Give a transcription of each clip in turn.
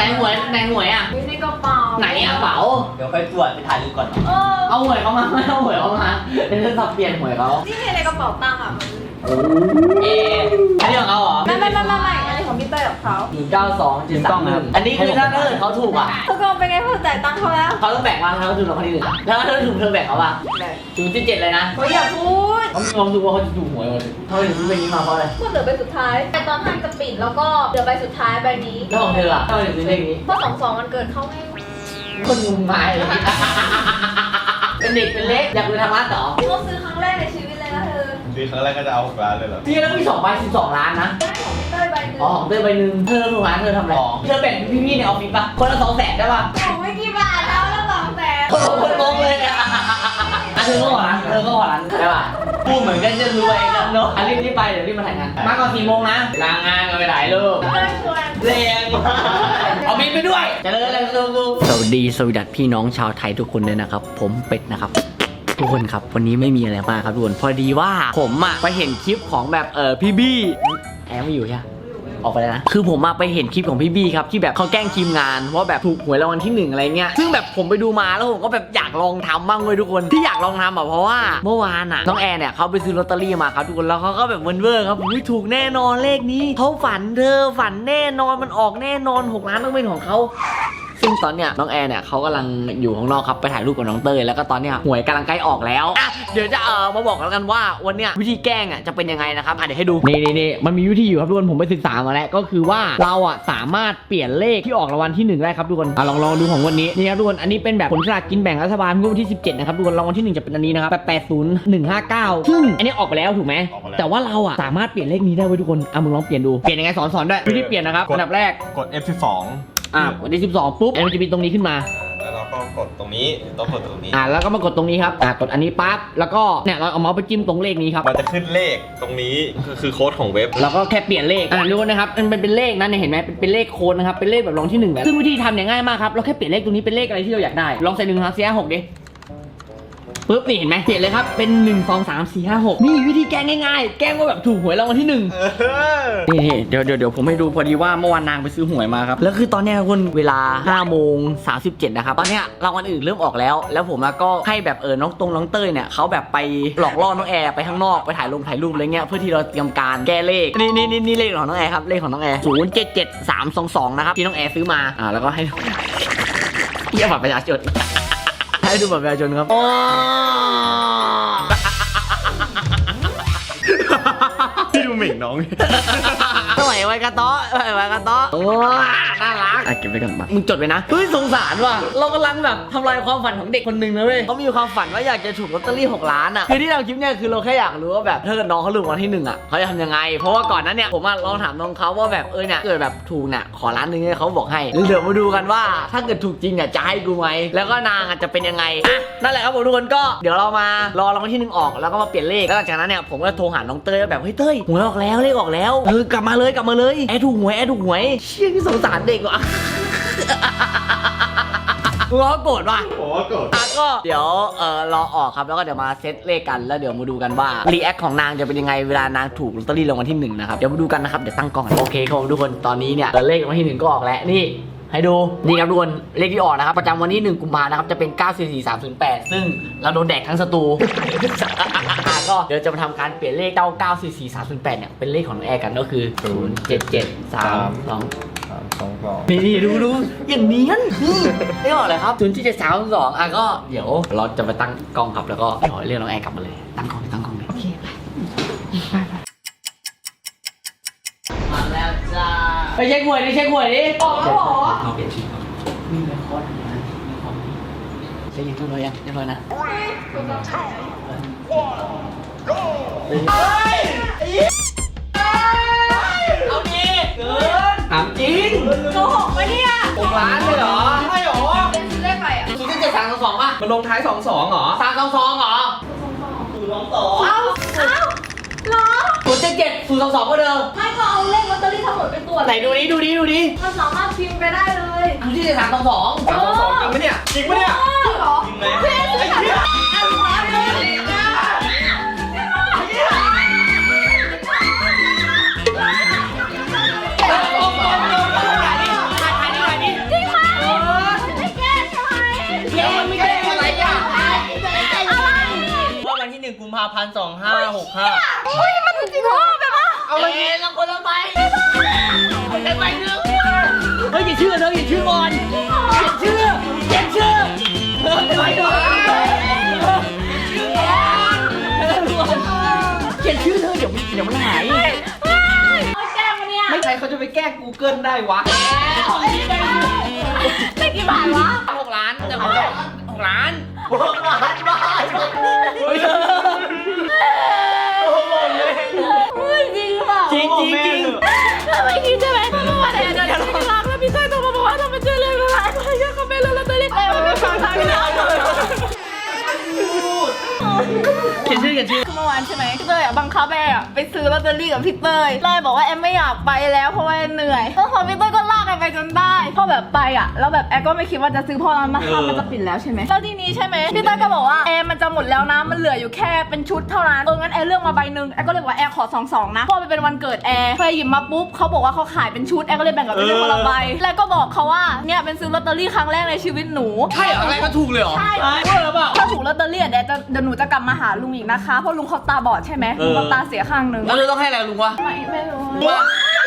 หวยอ่ะในกระเป๋าไหนกระเป๋าเดี๋ยวค่อยตรวจไปถ่ายรูปก่อนเอาหวยเขามาไม่เอาหวยเขามาเดี๋ยวจะสับเปลี่ยนหวยเขานี่ในกระเป๋าตังค์อ่ะเอ๊ะอันนี้ของเขาเหรอไม่อันนี้ของพี่เต้ยกับเขา 192.31อันนี้คือถ้าเกิดเขาถูกอ่ะทุกคนเป็นไงพอจ่ายตังค์เขาแล้วเขาต้องแบ่งว่าเขาถูกรางวัลที่ 1แล้วถ้าถูกเธอแบ่งเขาป่ะ0.7เลยนะเขาอย่าพูดเขามีความรู้สึกว่าเขาจะถูกหวยหมดเขาถึงซื้อใบนี้มาเพราะอะไรพูดเหลือใบสุดท้ายแต่ตอนท่านจะปิดแล้วก็เหลือใบสุดท้ายใบนี้แล้วของเธออ่ะทำไมถึงซื้อเลขนี้เพราะ22มันเกิดเขาให้คนงมงายเลยเป็นเด็กเป็นเล็กอยากไปทำร้านต่อเขาซื้อครั้งแรกในชีวิตเลยนะเธอซื้อครั้งแรกก็จะเอา6 ล้านเลยเหรอพี่แล้วมี2ใบ12 ล้านนะได้ของพี่เต้ยใบหนึงอ๋อของเธอใบหนึ่งเธอถูกร้านเธอทำอะไรเธอแบ่งพี่ๆในออฟฟิศป่ะคนละ200,000ได้ป่ะของไม่กี่บาทแล้ว200,000 โอ้โหคนงงเลยอ่ะเธอก็ขอร้านได้ป่ะพูดเหมือนกันจะรวยกันเนาะรีบไปเดี๋ยวรีบมาถ่ายงานมาก่อน4 โมงนะลางานกันไปถ่ายรูปเต้ยชวนแรงเอาบินไปด้วยเจริญเลยลูกสวัสดีสวัสดีพี่น้องชาวไทยทุกคนเลยนะครับผมเป็ดนะครับทุกคนครับวันนี้ไม่มีอะไรมากครับทุกคนพอดีว่าผมอะไปเห็นคลิปของแบบพี่บี้แอมไม่อยู่ใช่ไหมออกไปแล้วนะคือผมมาไปเห็นคลิปของพี่บี้ครับที่แบบเขาแกล้งทีมงานว่าแบบถูกหวยรางวัลที่1อะไรเงี้ยซึ่งแบบผมไปดูมาแล้วผมก็แบบอยากลองทำบ้างเลยทุกคนที่อยากลองทำอ่ะเพราะว่าเมื่อวานอ่ะน้องแอร์เนี่ยเขาไปซื้อลอตเตอรี่มาครับทุกคนแล้วเขาก็แบบเวอร์ครับอุ๊ยถูกแน่นอนเลขนี้เขาฝันเธอฝันแน่นอนมันออกแน่นอน6 ล้านต้องเป็นของเขาซึ่งตอนเนี้ยน้องแอร์เนี่ยเขากำลังอยู่ข้างนอกครับไปถ่ายรูปกับน้องเตยแล้วก็ตอนเนี้ยหวยกำลังใกล้ออกแล้วอ่ะเดี๋ยวจะมาบอกกันว่าวันเนี้ยวิธีแกล้งอ่ะจะเป็นยังไงนะครับเดี๋ยวให้ดูนี่มันมีวิธีอยู่ครับทุกคนผมไปศึกษามาแล้วก็คือว่าเราอ่ะสามารถเปลี่ยนเลขที่ออกรางวัลที่1ได้ครับทุกคนลองดูของวันนี้นี่ครับทุกคนอันนี้เป็นแบบผลสลากกินแบ่งรัฐบาลงวดวันที่17นะครับทุกคนรางวัลที่1จะเป็นอันนี้นะครับ80159ซึ่งอันนี้ออกไปแล้วถูกไหมแต่ว่าเราอ่ะสามารถเปลี่ยนเลขนี้ได้เว้ยทุกคนมึงลองเปลี่ยนดูเปลี่ยนยังไงสอนด้วยวิธีเปลี่ยนนะครับอันดับแรกกด F12 วันที่12ปุ๊บมันจะมีตรงนี้ขึ้นมาแล้วเราก็กดตรงนี้ต้องกดตรงนี้แล้วก็มากดตรงนี้ครับกดอันนี้ปั๊บแล้วก็เนี่ยเราเอาเมาส์ไปจิ้มตรงเลขนี้ครับมันจะขึ้นเลขตรงนี้คือโค้ดของเว็บแล้วก็แค่เปลี่ยนเลขดูนะครับมันเป็นเลขนะเนี่ยเห็นไหมเป็นเลขโค้ดนะครับเป็นเลขแบบรางวัลที่1แบบซึ่งวิธีทำเนี่ยง่ายมากครับเราแค่เปลี่ยนเลขตรงนี้เป็นเลขอะไรที่เราอยากได้ลองใส่1 2 4 5 6ดิปุ๊บนี่เห็นไหมเปลี่ยนเลยครับเป็น1 2 3 4 5 6นี่วิธีแก้ง่ายๆแก้ว่าแบบถูกหวยรางวัลที่1นี่เดี๋ยวผมให้ดูพอดีว่าเมื่อวานนางไปซื้อหวยมาครับแล้วคือตอนเนี้ยคุณเวลา5:37นะครับตอนเนี้ยรางวัลอื่นเริ่มออกแล้วผมก็ให้แบบน้องเต้ยเนี่ยเขาแบบไปหลอกล่อน้องแอร์ไปข้างนอกไปถ่ายรูปอะไรเงี้ยเพื่อที่เราเตรียมการแก้เลขนี่เลขของน้องแอร์ครับเลขของน้องแอร์077322นะครับที่น้องแอร์ซื้อมาแล้วก็ให้เทียบบัตรประชาชนให้ดูบัตรประชาชนครับที่ดูเหม่งน้องสมัยไว้กระต๊ะโอ้น่ารักเก็บไว้ก่อนมามึงจดไว้นะเฮ้ยสงสารว่ะเรากำลังแบบทำลายความฝันของเด็กคนหนึ่งนะเว้ยเขามีความฝันว่าอยากจะถูกลอตเตอรี่6 ล้านอ่ะคือที่เราคลิปเนี่ยคือเราแค่อยากรู้ว่าแบบถ้าเกิดน้องเขาถูกรางวัลที่1อ่ะเขาจะทำยังไงเพราะว่าก่อนนั้นเนี่ยผมลองถามน้องเขาว่าแบบเนี่ยเกิดแบบถูกเนี่ยขอ1 ล้านเนี่ยเขาบอกให้เดี๋ยวมาดูกันว่าถ้าเกิดถูกจริงเนี่ยจะให้กูไหมแล้วก็นางจะเป็นยังไงนั่นแหละครับผมทุกคนก็เดี๋ยวเรามารอรางวัลที่1ออกแล้วก็มาเปลี่ยนเลขแล้วหลังจากนั้นเนี่ยผมก็โทรหาน้องเต้ยแบบเฮ้ยเต้ยหวยออกแล้วเลขออกแล้วกลับมาเลยแอร์ถูกหวยเชี่ยที่สงสารเด็กว่ะกูเขาโกรธว่ะโอ้โกรธก็เดี๋ยวรอออกครับแล้วก็เดี๋ยวมาเซตเลขกันแล้วเดี๋ยวมาดูกันว่ารีแอคของนางจะเป็นยังไงเวลานางถูกลอตเตอรี่รางวัลที่1นะครับเดี๋ยวมาดูกันนะครับเดี๋ยวตั้งกล้องโอเคครับทุกคนตอนนี้เนี่ยเลขรางวัลที่1ก็ออกแล้วนี่ให้ดูนี่ครับทุกคนเลขที่ออกนะครับประจำวันที่1 กุมภาพันธ์นะครับจะเป็น944308ซึ่งเราโดนแดกทั้งสตู ก็เดี๋ยวจะมาทำการเปลี่ยนเลข944308เนี่ยเป็นเลขของน้องแอร์กันก็คือ077322นี่ดูอย่างนี้ไม่ออกเลยครับ077322ก็เดี๋ยวเราจะไปตั้งกล้องครับแล้วก็ขอเรียกน้องแอร์กลับมาเลยตั้งกล้องเลยโอเคมาแล้วจ้าไปเช็คหวยดิออกแล้วเหรอเราเปลี่ยนชื่อก่อนมีเรคคอร์ดนะมีของเช็คยังเรียบร้อยนะ เอาดิเกินถามจริงโกหกปะเนี่ย 6 ล้านเลยเหรอใช่เหรอเป็นซื้อเลขอะไรอ่ะ 077322ป่ะมันลงท้าย22เหรอ 322เหรอเอ้าเหรอ 077022ก็เดิมไม่ก็เอาเลขลอตเตอรี่ทั้งหมดไปตรวจไหนดูดิมันสามารถพิมพ์ไปได้เลยดูที่7322 322จริงปะเนี่ยจริงปะเนี่ยเหรอจริงไหมเพื่อนฉันอ่านมาเลย 1,2565 เฮ้ยมันจริงเหรอแบบว่าเอาเลยเราคนละใบได้ใบหนึ่งเฮ้ยเขียนชื่อเธอเขียนชื่อก่อนเขียนชื่อใบหนึ่งเขียนชื่อเธอเดี๋ยวมันหายแกล้งมันเนี่ยไม่ใครเขาจะไปแก้ Google ได้วะได้กี่บาทวะ 6 ล้านแต่ผม6 ล้านเฮ้ยจริงหรือเปล่าจริงทำไมคิดใช่ไหมเมื่อวานเนี่ยเดี๋ยวพี่รักแล้วพี่เต้ยโทรมาบอกว่าเราไปเจอเลยอะไรอะไรก็เขาไม่รู้แล้วเต้ยไม่ฟังทางพี่รักเขียนชื่อเมื่อวานใช่ไหมพี่เต้ยบังคับแอร์ไปซื้อลอตเตอรี่กับพี่เต้ยเลยบอกว่าแอมไม่อยากไปแล้วเพราะว่าเหนื่อยแล้วพอพี่เต้ยก็ลากแอมไปจนได้พอแบบไปแล้วแบบแอมก็ไม่คิดว่าจะซื้อพอมันจะปิดแล้วใช่ไหมแล้วทีนี้ใช่ไหมพี่เต้ยก็บอกว่าแอมมันจะหมดแล้วนะมันเหลืออยู่แค่เป็นชุดเท่านั้นงั้นแอมเลือกมาใบหนึ่งแอมก็เลยบอกว่าแอมขอ2 นะเพราะมันเป็นวันเกิดแอมเคยหยิบมาปุ๊บเขาบอกว่าเขาขายเป็นชุดแอมก็เลยแบ่งกับพี่เต้ยคนละใบแล้วก็บอกเขาว่าเนี่ยเป็นซื้อลอตเตอรี่ครั้งแรกในชีวิตหนูใช่เหรออะไรก็ถูกเลยเหรอใช่เออเปล่าถ้าถูกลอตเตอรี่เดี๋ยวหนูจะกลับมาหาลุงอีกนะคะเพราะลุงเขาตาบอดใช่ไหมลุงเขาตาเสียข้างหนึ่งแล้วเราต้องให้อะไรลุงวะไม่รู้ว่า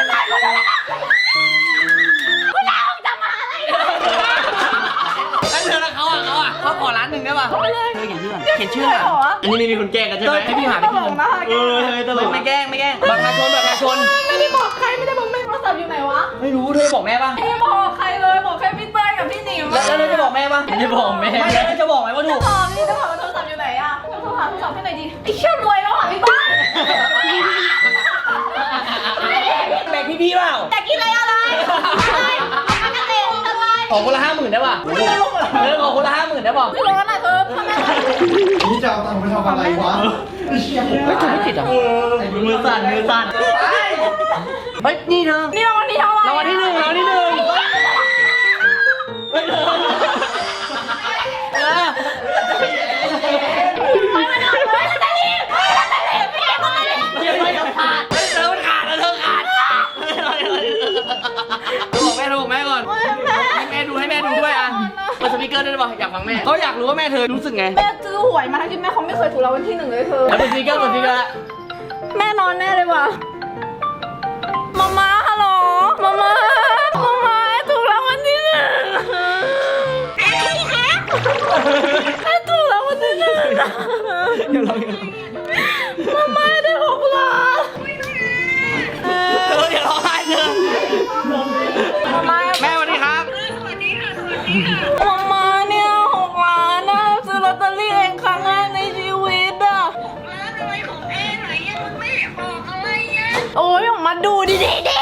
คุณดาวจะมาอะไรแล้วเธอแล้วเขาขอล้านหนึ่งได้ป่ะไม่เลยเธอเขียนชื่ออันนี้มีคนแกล้งกันใช่ไหมให้พี่หาตพี่ลกนะตลกไม่แกล้งประชาชนไม่ได้บอกใครไม่ได้บอกแม่โทรศัพท์อยู่ไหนวะไม่รู้เธอบอกแม่ป่ะไม่ได้บอกใครเลยบอกแค่พี่เต้ยกับพี่หนิมแล้วเธอจะบอกแม่ป่ะไม่ได้บอกแม่ไม่ได้จะบอกไหมว่าถูกตอบนี่จะถามว่าโทรศัพท์อยู่ไหนอะโทรหาโทรศัพท์ที่ไหนดีไอ้เชี่ยรวยแล้วอ่ะพี่เต้ยแบ่งพี่เปล่าแต่กินอะไรมันกระเตงอะไรขอคนละ50,000ได้ป่ะขอคนละ50,000ได้ป่ะไม่ร้อนอ่ะเธอทำไมนี่จะเอาตังค์ไปทำอะไรวะไม่ถูกไม่ติดอ่ะมือสั่นเฮ้ยนี่เธอนี่รางวัลที่เท่าไหร่รางวัลที่หนึ่งบอกแม่ก่อนให้แม่ดูด้วยอ่ะเปิดสปีกเกอร์ได้ป่ะอยากฟังแม่เขาอยากรู้ว่าแม่เธอรู้สึกไงแม่ซื้อหวยมาทั้งที่แม่เขาไม่เคยถูกรางวัลที่ 1เลยเธอแล้วเปิดสปีกเกอร์แม่นอนแน่เลยว่ะมาฮัลโหลมาถูกรางวัลที่ 1ถูกรางวัลที่ 1มาได้6 ล้านเธออย่าร้องไห้เธอมาแม่สวัสดีครับมาเนี่ย6 ล้านนะซื้อลอตเตอรี่เองครั้งแรกในชีวิตอ่ะโอ้ยออกมาดูดิ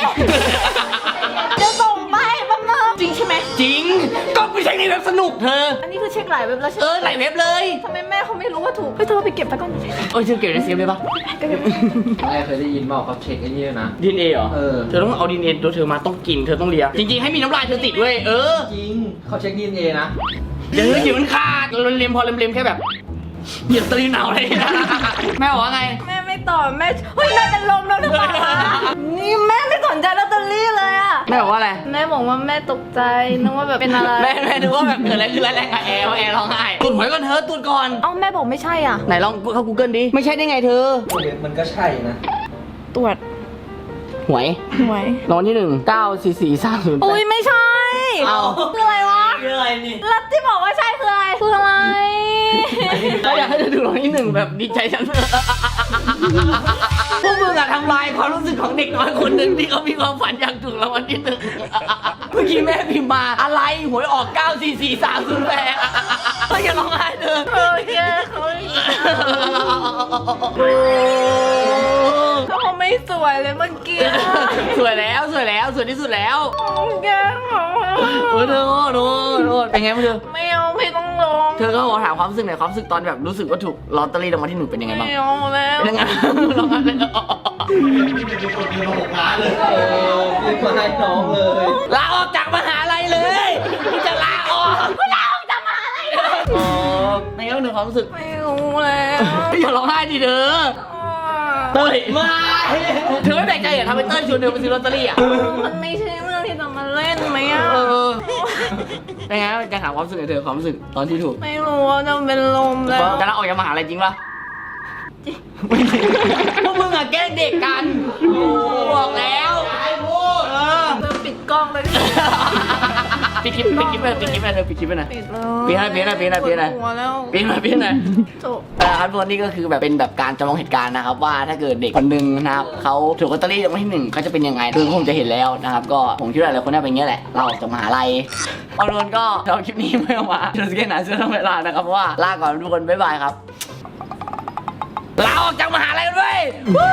จะส่งไปแป๊บนึงจริงใช่ไหมจริงก็ไปเช็คในเว็บสนุกเธออันนี้คือเช็คหลายเว็บแล้วใช่ไหมหลายเว็บเลยทำไมแม่เขาไม่รู้ว่าถูกเฮ้ยเธอไปเก็บไปก่อนเธอเก็บในเซฟได้ปะแม่เคยได้ยินบอกเขาเช็คไอ้นี่นะดีเอ็นเอเหรอเธเธอต้องเอาดีเอ็นเอตัวเธอมาต้องกินเธอต้องเลียจริงๆให้มีน้ำลายเธอติดเว้ยจริงเขาเช็ค DNA นะเดี๋ยวหิวมันขาดเล็มพอเล็มแค่แบบเหยียบตะลีหนาวอะไรนะแม่บอกว่าไงแม่ไม่ตอบแม่เฮ้ยแม่เป็นลมแล้วหรือเปล่านี่แม่ไม่สนใจลอตเตอรี่เลยอะแม่บอกว่าอะไรแม่บอกว่าแม่ตกใจนึกว่าแบบเป็นอะไรแม่ดูว่าแบบเกิดอะไรขึ้นแล้วแรงกับแอร์ว่าแอร์ร้องไห้ตุ่นหวยก่อนเธอตุ่นก่อนเอ้าแม่บอกไม่ใช่อ่ะไหนลองเข้า Google ดิไม่ใช่ได้ไงเธอมันก็ใช่นะตรวจหวยหวยรางวัลที่1 944 308 อุ้ยไม่ใช่เอาคืออะไรวะคืออะไรนี่แล้วที่บอกว่าใช่คืออะไรคืออะไรก็อยากให้เธอดูรางวัลที่1แบบดีใจฉันพวกมึงอะทำลายความรู้สึกของเด็กน้อยคนหนึ่งที่เขามีความฝันอยากถูกรางวัลที่1เมื่อกี้แม่พิมพ์มาอะไรหวยออก944 308ก็อย่าร้องไห้เธอโอเคเขาเขาไม่สวยเลยเมื่อกี้สวยแล้วสวยที่สุดแล้วแกเขาโอ้เธอเป็นไงบ้างเธอไม่เอาไม่ต้องลงเธอก็บอกถามความรู้สึกหน่อยความรู้สึกตอนแบบรู้สึกว่าถูกลอตเตอรี่รางวัลที่1เป็นยังไงบ้างไม่เอาแล้วเป็นยังไงร้องไห้เลย 6 ล้านเลยรีบมาให้น้องเลยลาออกจากมหาลัยเลยที่จะลาออกลาออกจากมหาลัยอ๋อในเรื่องหนึ่งความรู้สึกไม่รู้แล้วอย่าร้องไห้ดิเธอเต้ยมาเธอไม่แปลกใจเหรอทำไมเต้ยชวนเธอไปซื้อลอตเตอรี่อ่ะมันไม่ใช่เรื่องที่จะมาเล่นไหมอ่ะเป็นไงจะถามความรู้สึกหน่อยเธอความรู้สึกตอนที่ถูกไม่รู้ว่าจะเป็นลมแล้วจะลาออกจากมหาลัยจริงปะจริงพวกมึงอะแกล้งเด็กกันบอกแล้วเออเธอปิดกล้องเลยปิดคลิปไปเลยปิดเลยปิดคลิปไปหน่อยปิดเลยปิดหน่อยปวดหัวแล้วปิดหน่อยจบครับทุกคนนี่ก็คือแบบเป็นแบบการจำลองเหตุการณ์นะครับว่าถ้าเกิดเด็กคนหนึ่งนะครับเขาถูกลอตเตอรี่รางวัลที่1เขาจะเป็นยังไงคือผมจะเห็นแล้วนะครับก็ผมคิดว่าหลายคนน่าเป็นอย่างนี้แหละเราออกจากมหาลัยเอาทุกคนก็เราคลิปนี้ไม่ออกมาเราจะแค่ไหนเสื้อต้องเวลานะครับเพราะว่าลาก่อนทุกคนบ๊ายบายครับลาออกจากมหาลัยกันด้วย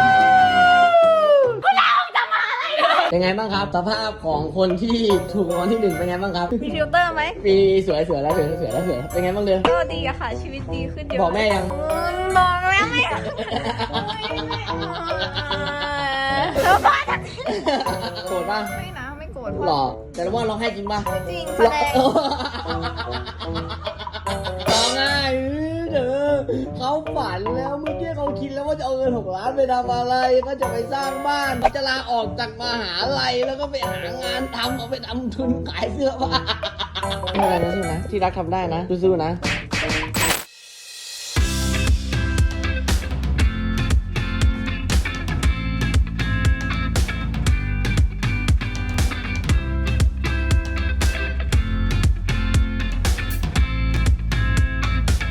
เป็นไงบ้างครับสภาพของคนที่ถูกรางวัลที่1เป็นไงบ้างครับมีฟิลเตอร์ไหมมีสวยแล้วเป็นไงบ้างเดือนก็ดีอะค่ะ ชีวิตดีขึ้นเยอะบอกแม่ยังบอกแล้วไม่เธอบ้าจังโกรธป่ะไม่นะไม่โกรธหล่อแต่ว่าร้องไห้จริงป่ะจริงแสดงร้องไห้เด้อเขาฝันแล้วเมื่อกี้เขาคิดแล้วว่าจะเอาเงิน6 ล้านไปทำอะไรก็จะไปสร้างบ้านเขาจะลาออกจากมหาลัยแล้วก็ไปหางานทำเอาไปทำทุนขายเสื้อผ้าไม่เป็นไรนะที่รักทำได้นะสู้ๆนะ